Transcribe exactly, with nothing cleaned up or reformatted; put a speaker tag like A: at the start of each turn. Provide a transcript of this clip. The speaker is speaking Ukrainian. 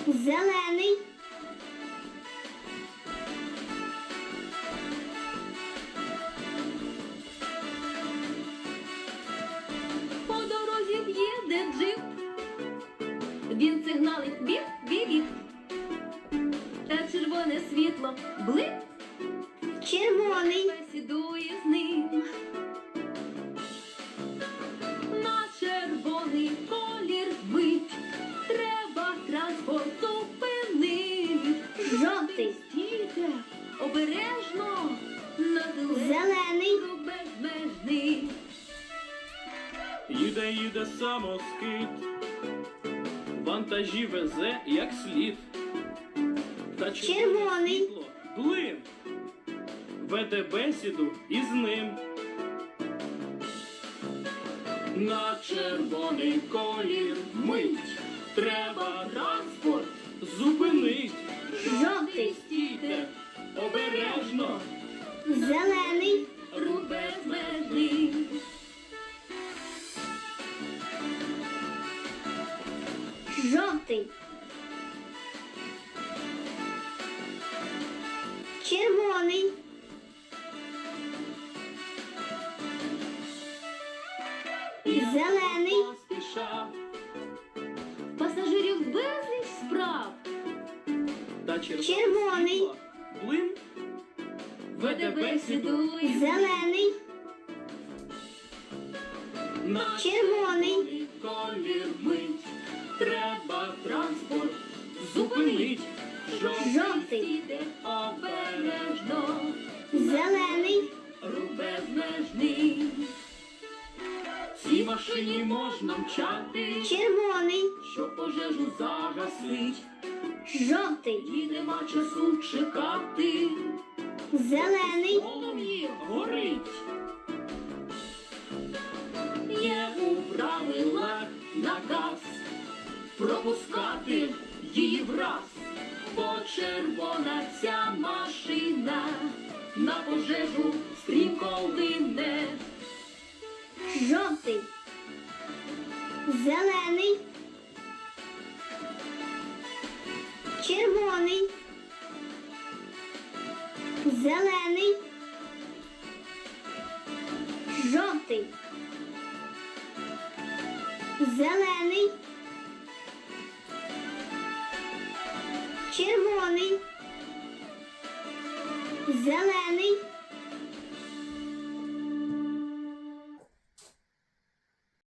A: Зелений.
B: По дорозі їде джип, він сигналить біп-біп-біп. Та червоне світло блип,
A: Червоний.
B: бесідує з ним. На червоний колір мить, треба транспорт зупинить.
A: Жовтий.
B: Стійте, обережно, на
A: Зелений.
B: рух безмежний.
C: Їде, їде самоскид, вантажі везе як слід. Та
A: Червоний.
C: світло блим, веде бесіду із ним. На червоний колір мить, треба транспорт зупинить.
A: Жовтий.
C: Стійте, обережно,
A: Зелений.
B: Рух безмежний.
A: Жовтий. Червоний. Зелений.
C: поспішав,
B: Пасажирів безліч справ,
C: та червоне
A: Червоний.
C: світло блим,
B: веде бесіду із ним.
A: Зелений.
C: на
A: Червоний.
C: колір мить, треба транспорт зупинить.
A: Жовтий.
B: Стійте, обережно,
A: Зелений.
B: рух безмежний.
C: Цій машині можна мчати,
A: Червоний.
C: щоб пожежу загасить.
A: Жовтий.
C: І нема часу чекати,
A: Зелений.
C: полум'ї горить. Є у правилах наказ пропускати її враз, бо червона ця машина на пожежу стрімко лине.
A: Жовтий. Зелений. Червоний. Зелений. Жовтий. Зелений.